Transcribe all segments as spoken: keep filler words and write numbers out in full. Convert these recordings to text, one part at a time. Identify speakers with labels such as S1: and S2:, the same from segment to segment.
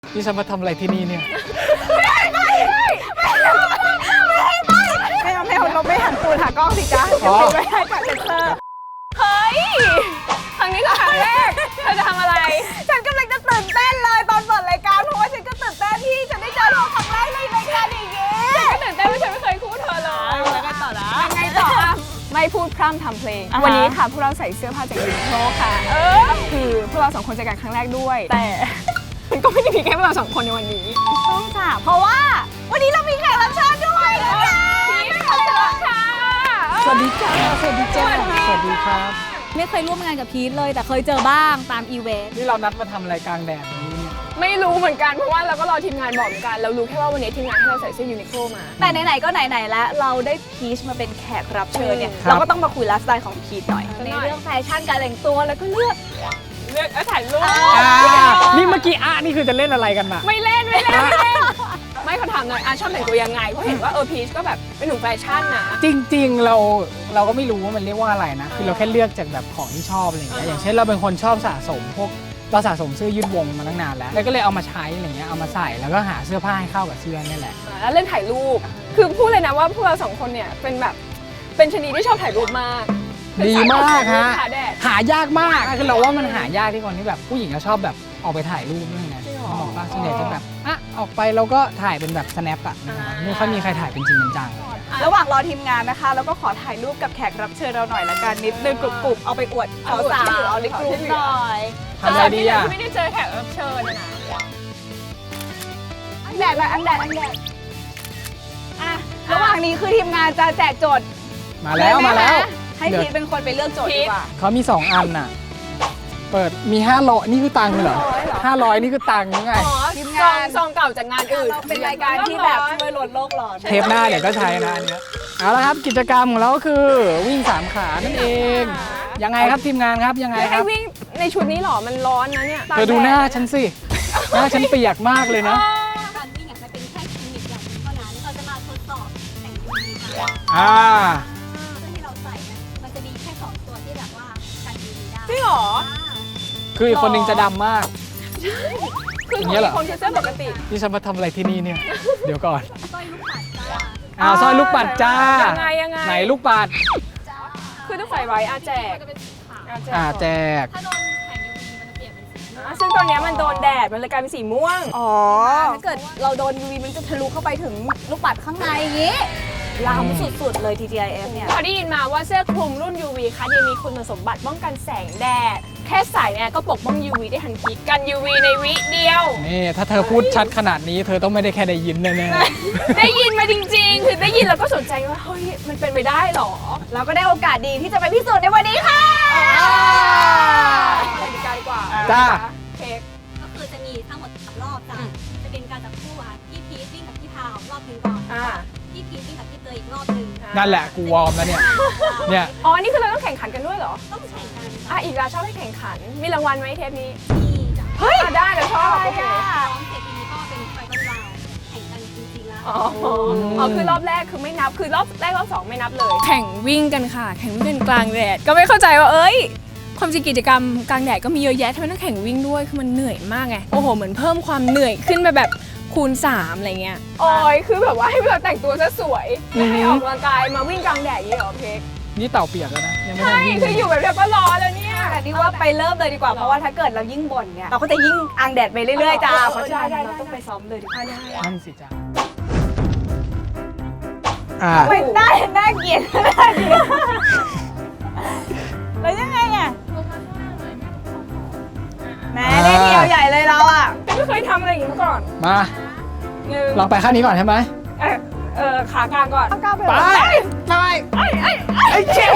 S1: นี่ฉันมาทำอะไรที่นี่เนี่ย
S2: ไม่ไม่ไม่ไม่เอาไม่เอาเราไม่หันตูนหากล้องสิจ๊ะเดี๋ยวปิดไว้ให้กับเซนเซอร์เฮ้ยครั้งนี้คือครั้งแรกเธอจะทำอะไรฉันกำลังจะตื่นเต้นเลยตอนเปิดรายการเพราะว่าฉันก็ตื่นเต้นที่จะได้เจอเธอครั้งแรกในรายการอย่างนี้ฉันก็ตื่นเต้นเพราะฉันไม่เคยคู่เธอเลยแล้วก็ต่อนะยังไงต่อไม่พูดพร่ำทำเพลงวันนี้ค่ะพวกเราใส่เสื้อผ้าจากยูนิโคลค่ะเออคือพวกเราสองคนเจอกันครั้งแรกด้วยแต่มันก็ไม่ได้มีแค่พวกเราสองคนในวันนี้ต้องจ้ะเพราะว่าวันนี้เรามีแขกรับเชิญด้วยนะคะพี่ขอเชิญค่ะ
S1: สวัสดีจ้าสวัสดีจ้าสวัสดีครับ
S3: ไม่เคยร่วมงานกับพีทเลยแต่เคยเจอบ้างตามอีเวนต์
S1: นี่เรานัดมาทำอะไรกลางแดดนี้เนี่ย
S2: ไม่รู้เหมือนกันเพราะว่าเราก็รอทีมงานบอกเหมือนกันเรารู้แค่ว่าวันนี้ทีมงานให้เราใส่เสื้อยูนิโคลมา
S3: แต่ไหนๆก็ไหนๆแล้วเราได้พีชมาเป็นแขกรับเชิญเนี่ยเราก็ต้องมาคุยไลฟ์สไตล์ของพีทหน่อยในเรื่องแฟชั่นการแต่งตัวแล้วก็เลือก
S2: เลือกถ่ายรูป
S1: นี่เมื่อกี้อ่ะนี่คือจะเล่นอะไรกันมา
S2: ไม่เล่นไม่เล่นไม่เล่นไม่เขาถามหน่อยอ่ะชอบแต่งตัวยังไงเพราะเห็นว่าเออพีชก็แบบเป็นหนุ่มแฟชั่นนะ
S1: จริงๆเราเราก็ไม่รู้ว่ามันเรียกว่าอะไรนะคือเราแค่เลือกจากแบบของที่ชอบอะไรอย่างเงี้ยอย่างเช่นเราเป็นคนชอบสะสมพวกเราสะสมเสื้อยืดวงมาตั้งนานแล้วแล้วก็เลยเอามาใช้อะไรเงี้ยเอามาใส่แล้วก็หาเสื้อผ้าให้เข้ากับเสื้อนี่แหละ
S2: แล้วเล่นถ่ายรูปคือพูดเลยนะว่าพวกเราสองคนเนี่ยเป็นแบบเป็นชนิดที่ชอบถ่ายรูปมาก
S1: ดีมากฮะหายากมากคือเราว่ามันหายากที่คนที่แบบผู้หญิงจะชอบแบบออกไปถ่ายรูปด้วยไงบอกว่าส่วนใหญ่จะแบบอ่ะออกไปเราก็ถ่ายเป็นแบบ snap อ่ะไม่ค่อยมีใครถ่ายเป็นจริงเป็นจัง
S3: ระหว่างรอทีมงานนะคะแล้วก็ขอถ่ายรูปกับแขกรับเชิญเราหน่อยละกันนิดนึงกรุบๆเอาไปอวดสาวๆเอาในกลุ่มหน่อย
S1: ทำอะไรดีอ่ะ
S2: ไม่ได้เจอแขกรับเชิญนะอันแดดเลยอันแดดอันแดด
S3: อ่ะระหว่างนี้คือทีมงานจะแจกโจทย์
S1: มาแล้วมาแล้ว
S3: ให้พีทเป็นคนไปเลือกโจทย์ดีกว่า
S1: เขามีสองอันน่ะเปิดมีห้าร้อยนี่คือตังค์เหรอห้าร้อยนี่คือตังค์ยังไง
S2: ทีมงานซองเก่าจากงานอื่น
S3: เป็นรายการที่แบบช่วยลดโลกร้อน
S1: เทปหน้าเดี๋ยวก็ใช้นะอันนี้เอาละครับกิจกรรมของเราก็คือวิ่งสามขานั่นเองยังไงครับทีมงานครับยังไงครับ
S2: วิ่งในชุดนี้หรอมันร้อนนะเนี่ย
S1: เธอดูหน้าฉันสิหน้าฉันเปียกมากเลยนะ
S4: การวิ่งอ่ะมันเป็นแค่เทคนิคอย่างนึงเท่านั้นเราจะมาทดสอบแต่งยูวีค่ะ
S1: อ่า
S4: เสื้อที่เราใส่เนี่ยมันจะมีแค่สองตัวที่แบบว่ากันยูวีได้
S2: จริงหรอ
S1: คืออีกคนนึงจะดำมาก
S2: คือของคนคือเสื้อปกติ
S1: นี่ฉันมาทำอะไรที่นี่เนี่ยเดี๋ยวก่อน
S4: สร้อยลูกปัดจ้า
S1: อ้าวสร้อยลูกปัดจ้า
S2: ยังไงยังไง
S1: ไหนลูกปัด
S2: คือต้องใส่ไว้อาแจก
S1: อาแจก
S4: ถ้าโดนแสง ยู วี มันจะเปลี่ยนเป็นสี
S2: ซึ่งตอนนี้มันโดนแดดมันเลยกลายเป็นสีม่วง
S3: อ๋อถ้าเกิดเราโดน ยู วี มันจะทะลุเข้าไปถึงลูกปัดข้างในอย่างงี้ล้ำสุดๆเลย ที ที ไอ เอฟ เนี่ย
S2: พอได้ยินมาว่าเสื้อคลุมรุ่น ยู วี ค่ะยังมีคุณสมบัติป้องกันแสงแดดแค่ใส่เนี่ยก็ปกป้อง ยู วี ได้ทันทีกัน ยู วี ในวิเดียว
S1: นี่ถ้าเธอพูดชัดขนาดนี้เธอต้องไม่ได้แค่ได้ยินแน่
S2: ๆได้ยินมาจริงๆคือได้ยินแล้วก็สนใจว่าเฮ้ยมันเป็นไปได้หรอ
S3: เราก็ได้โอกาสดีที่จะไปพิสูจน์ในวันนี้ค่ะ
S2: ไปดีกันดีกว่า
S1: จ้า
S2: เค้ก
S4: ก็คือจะมีทั้งหมดสามรอบจ้ะจะเป็นการจับคู่ค่ะพี่พีทวิ่งกับพี่พาวรอบนึงก่อนพี่พีทวิ่งกับพี่เตยอีกรอบนึง
S1: นั่นแหละกูวอร์มแล้วเนี่ยเนี่ย
S2: อ๋อนี่คือเราต้องแข่งขันกันด้วยเหรอ
S4: ต้องแข่งกัน
S2: อ่ะอีกแล้วชอบให้แข่งขันมีรางวัลไหมเทปนี้
S4: มีจ้ะ
S2: เฮ้ยได้เราชอบโอเค
S4: ร้องเสร็จทีนี้ก็เป็นไฟนอลราวแข่งกันจริงๆแล้ว
S2: อ๋ออ๋อคือรอบแรกคือไม่นับคือรอบแรกรอบสองไม่นับเลยแข่งวิ่งกันค่ะแข่งวิ่งกันกลางแดดก็ไม่เข้าใจว่าเอ้ยความจริงกิจกรรมกลางแดดก็มีเยอะแยะทำไมต้องแข่งวิ่งด้วยคือมันเหนื่อยมากไงโอ้โหเหมือนเพิ่มความเหนื่อยขึ้นไปแบบคูณสามอะไรเงี้ยโอ้ยคือแบบว่าให้เราแต่งตัวซะสวยให้ออกกำลังกายมาวิ่งกลางแดดอย่างนี้เหรอเค้ก
S1: นี่เต่าเปียกแล้วนะยังไม่
S2: ได้วิ่งคืออยู่แบบเดียวก็ร้อนแล้วเนี่ย
S3: แต่นี่ว่าไปเริ่มเลยดีกว่าเพราะว่าถ้าเกิดเรายิ่งบ่นเนี่ยเราก็จะยิ่งอังแดดไปเรื่อยๆจ้าเพราะฉะนั้นเราต้องไปซ้อมเลยดีกว่า
S1: นั่นสิจ้า
S3: ไม่ได้น่าเกลียดน่าเกลียดแล้วยังไงอ่ะแม่ได้เดียวใหญ่เลยเราอ่ะ
S2: ไม่เคยทำอะไรอย่างนี้มาก่อน
S1: มาลองไปขั้นนี้ก่อนใช่ไหม
S2: เออเออขากลางก่อน
S1: ไปไป
S2: ไอ้ไอ้ไอ้เจ็บ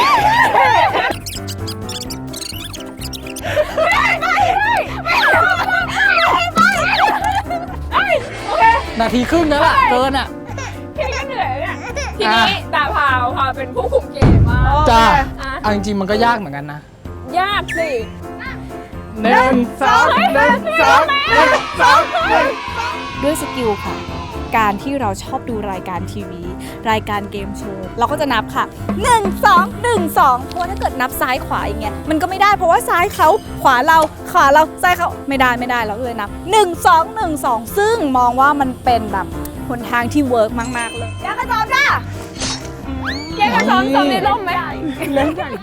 S1: นาทีครึ่งนั่นแหละเกินอ่ะ
S2: แค่นี้ก็เหนื่อยเนี่ยทีนี้ตาพาวพาวเป็นผู้คุมเกมมาก
S1: จ้าเอาจริงๆมันก็ยากเหมือนกันนะ
S2: ยากสิ
S1: หนึ่งสองหนึ่งสองหนึ่งสองหนึ่ง
S3: ด้วยสกิลค่ะการที่เราชอบดูรายการทีวี รายการเกมโชว์เราก็จะนับค่ะหนึ่ง สอง หนึ่ง สองเพราะว่าถ้าเกิดนับซ้ายขวาอย่างเงี้ยมันก็ไม่ได้เพราะว่าซ้ายเขาขวาเราขวาเราซ้ายเขาไม่ได้ไม่ได้เราก็เลยนับหนึ่ง สอง หนึ่ง สองซึ่งมองว่ามันเป็นแบบหนทางที่เวิร์กมากๆเลยยากระจอมจ้า
S2: แกก็ซ้อมซ้อมในร่มไหม
S1: เล่นใหญ่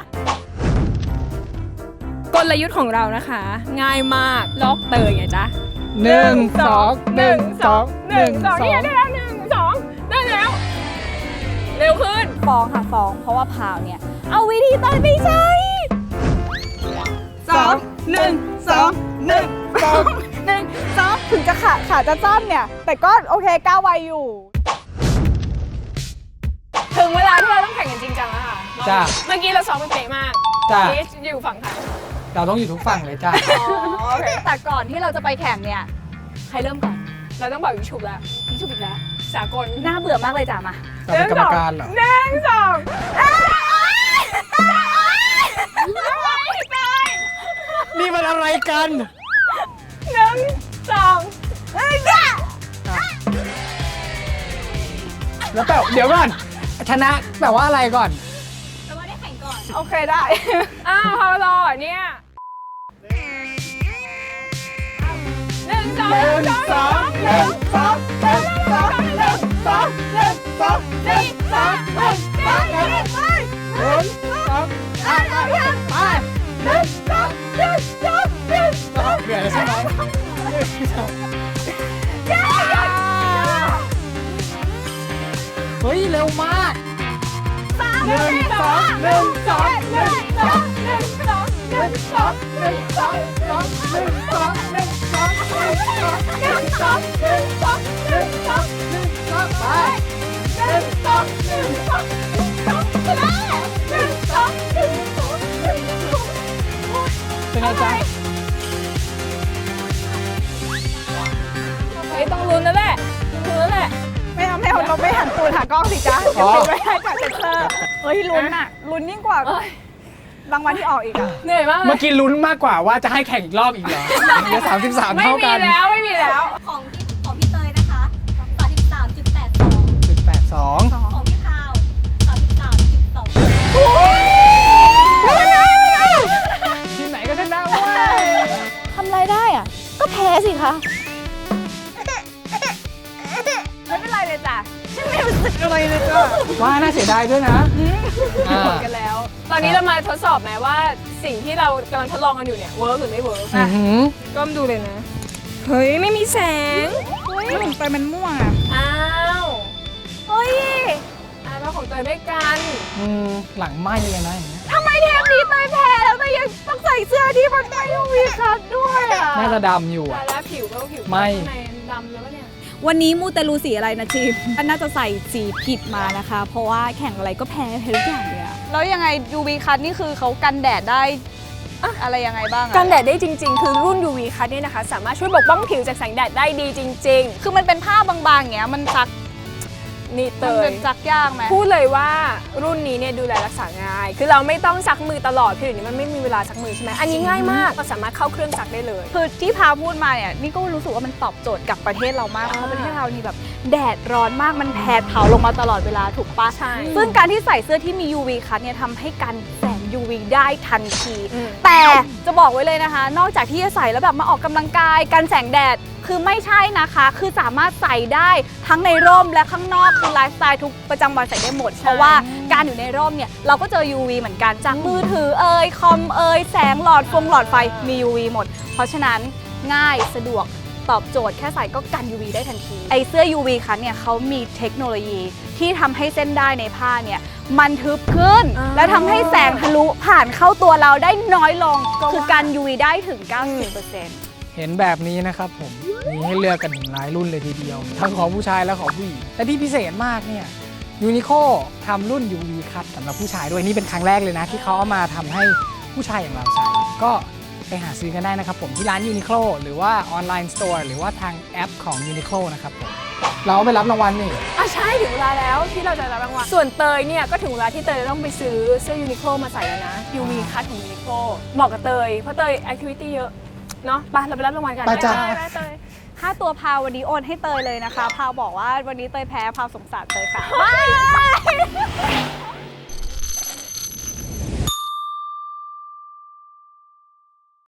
S2: กลยุทธ์ของเรานะคะ ง่ายมากลอกเตยไงจ๊ะ
S1: หนึ่งสองหนึ่งสองหนึ่งสอง
S2: นี่ได้แล้วหนึ่งสองได้แล้ว เร็วขึ้น
S3: ฟ้องค่ะฟ้องเพราะว่าพาวเนี่ยเอาวิธีตอนไปใช้
S1: สองหนึ่งสองหนึ่งสอง
S3: หนึ่งสองถึงจะขาขาจะสั้นเนี่ย แต่ก็โอเคก้าวไวอยู่
S2: ถึงเวลาที่เราต้องแข่งกันจริงจังแล้วค่ะ
S1: จ้า
S2: เมื่อกี้เราซ้อมไปเป๊ะมาก
S1: จ้า
S2: พีชอยู่ฝั่งค่ะ
S1: เราต้องอยู่ทุกฝั่งเลยจ้า
S3: โอเคแต่ก่อนที่เราจะไปแข่งเนี่ย ใครเริ่มก่อน
S2: เราต้องบอกวิชุบแล้ว
S3: พี่ชุบอีกแล้ว
S2: สากล
S3: น่าเบื่อมากเลยจ้ะมา
S1: เราเป็นกรรมการเหรอ
S2: หนึ่งสอง
S1: นี่มันอะไรกัน
S2: หนึ่งสอง
S1: แล้วแปลเดี๋ยวก่อนชนะแปลว่าอะไรก่อน
S4: แต่ว่าได้แข่งก่อน
S3: โอเคได้
S2: อ้าวพอรอเนี่ยหนึ่งสอง
S1: หนึ่งสองหนึ่งสองหนึ่งสองหนึ่งสองหนึ่งสองหนึ่งสองหนึ่งสองหนึ่งสองหนึ่งสองไปไปหนึ่งสองหนึ่งสองหนึ่งสองเหนื่อยใช่ไหมเฮ้ยเร็วมากหนึ่งสองหนึ่งสองหนึ่งสองหนึ่งสองหนึ่งสองหนึ่งสองสองหนึ่งสองหนึ่งสองหนึ่งสองหนึ่งสองหนึ่งสองหนึ่งสองไปหนึ่งสองหนึ่งสองหนึ่งสองไปแล้วหนึ่งสองหนึ่งสองหนึ่งสองเป็นไงจ๊ะ
S2: เฮ้ยต้องลุ้นแล้วแหละลุ้นแล้วแหละ
S3: ไม่เอาไม่เอาเราไม่หันตูนหากล้องสิจ๊ะเดี๋ยวปิดไว้ให้จากเซ็นเซอร์เฮ้ยลุ้นอะลุ้นยิ่งกว่ารางวัลที่ออกอีกอะ
S2: เหนื่อยมากเล
S1: เมื่อย กี้ลุ้นมากกว่าว่าจะให้แข่งอีกรอบอีกเหรอเดี๋ยวสามสิบสาม
S2: ไม่
S1: เท่า
S2: มี
S1: กัน
S2: แล้วไม่มีแล้ว
S4: ของพี่ของพี่เตยนะคะสามสิบสามจุดแปดสอง
S1: จุดแปดสอง
S4: ของพี่พาวสามสิบสามจุดสอง
S1: ที่ไหนก็ชนะเว้ย
S3: ทำอะไรได้อะก็แพ้สิคะไม่เป็นไรเลยจ้ะฉันไม่รู้สึกอะไรเลยจ้ะ
S1: ว่าน่าเสียดายด้วยนะอ่า
S2: หมดกันแล้ว ตอนนี้เรามาทดสอบไหมว่าสิ่งที่เรากำลังทดลองกันอยู่เนี่ยเวิร์กหรือไม่เวิร์ก
S1: อื้อหือ
S2: ก้มดูเลยนะ เฮ้ยไม่มีแสง
S3: เฮ้ยหนุ่มไปมันม่วงอะ
S2: อ้าว
S3: เฮ้ย
S2: อ่ะเราของเตยด้วยกัน
S1: อืมหลังไหม้เลยนะอย่างเงี้ย
S3: ทำไมเทปนี้เตยแพ้แล้วเตยยังต้องใส่เสื้อที่มันไม่ยูวีคัทด้วยอะ
S1: น่าจะดำอยู่
S2: แต่
S1: อ่ะ
S2: แล้วผิวก็ผิว
S1: ไม่
S2: ข้างในดำแล้วเนี่ย
S3: วันนี้มูเตลูสีอะไรนะทีมน่าจะใส่สีผิดมานะคะ เพราะว่าแข่งอะไรก็แพ้แพ้ทุกอย่างเลยอะแล้วยังไง ยู วี คัทนี่คือเขากันแดดได้อะไรยังไงบ้างอะ
S2: กันแดดได้จริง ๆ คือรุ่น ยู วี Cut เนี่ยนะคะ สามารถช่วยปกป้องผิวจากแสงแดดได้ดีจริง
S3: คือมันเป็นผ้าบางๆอย่างเงี้ยมันซัก
S2: ๆ นี่เต
S3: มัน
S2: ย
S3: เป็นซักยากไหม
S2: พูดเลยว่ารุ่นนี้เนี่ยดูแลรักษาง่าย คือเราไม่ต้องซักมือตลอดคือเดี๋ยวนี้มันไม่มีเวลาซักมือใช่ไหมอันนี้ง่ายมากเราสามารถเข้าเครื่องซักได้เลย
S3: คือที่พาพูดมาเนี่ยนี่ก็รู้สึกว่ามันตอบโจทย์กับประเทศเรามากเพราะประเทศเรานี่แบบแดดร้อนมากมันแผดเผาลงมาตลอดเวลาถูกปะ
S2: ใช่
S3: ซึ่งการที่ใส่เสื้อที่มี ยู วี คัทเนี่ยทำให้กันแสง ยู วี ได้ทันที
S2: อืม
S3: แต่จะบอกไว้เลยนะคะ นอกจากที่จะใส่แล้วแบบมาออกกำลังกายกันแสงแดดคือไม่ใช่นะคะ คือสามารถใส่ได้ทั้งในร่มและข้างนอกคือไลฟ์สไตล์ทุกประจำวันใส่ได้หมด เพราะว่าการอยู่ในร่มเนี่ยเราก็เจอ ยู วี เหมือนกันจากมือถือเอ่ยคอมเอ่ยแสงหลอดฟงหลอดไฟมี ยู วี หมด เพราะฉะนั้นง่ายสะดวกตอบโจทย์แค่ใส่ก็กัน ยู วี ได้ทันทีไอเสื้อ ยู วี คัทเนี่ยเขามีเทคโนโลยีที่ทำให้เส้นได้ในผ้าเนี่ยมันทึบขึ้น และทำให้แสงทะลุผ่านเข้าตัวเราได้น้อยลงคือกัน ยู วี ได้ถึง เก้าสิบเปอร์เซ็นต์
S1: เห็นแบบนี้นะครับผมมีให้เลือกกันถึงหลายรุ่นเลยทีเดียว ทั้งของผู้ชายและของผู้หญิงแต่ที่พิเศษมากเนี่ยยูนิโคทำรุ่น ยู วี คัทสำหรับผู้ชายด้วยนี่เป็นครั้งแรกเลยนะ ที่เขาเอามาทำให้ผู้ชายอย่างเราใส่ก็ไปหาซื้อกันได้นะครับผมที่ร้านยูนิโคหรือว่าออนไลน์สโตร์หรือว่าทางแอปของยูนิโคนะครับผมเราไปรับรางวัลนี่
S2: อ่ะใช่ถึงเวลาแล้วที่เราจะรับรางวัลส่วนเตยเนี่ยก็ถึงเวลาที่เตยจะต้องไปซื้อเสื้อยูนิโคลมาใส่แล้วนะ ยู วี Cut ของยูนิโคลเหมาะกับเตยเพราะเตยแอคทิวิตี้เยอะเนาะไปเราไปรับรางวัลกัน
S1: ไปจ้ะ
S2: ไปเตย
S3: ค่าตัวพาววันนี้โอนให้เตยเลยนะคะพาวบอกว่าวันนี้เตยแพ้พาวสงสารเตยค่ะ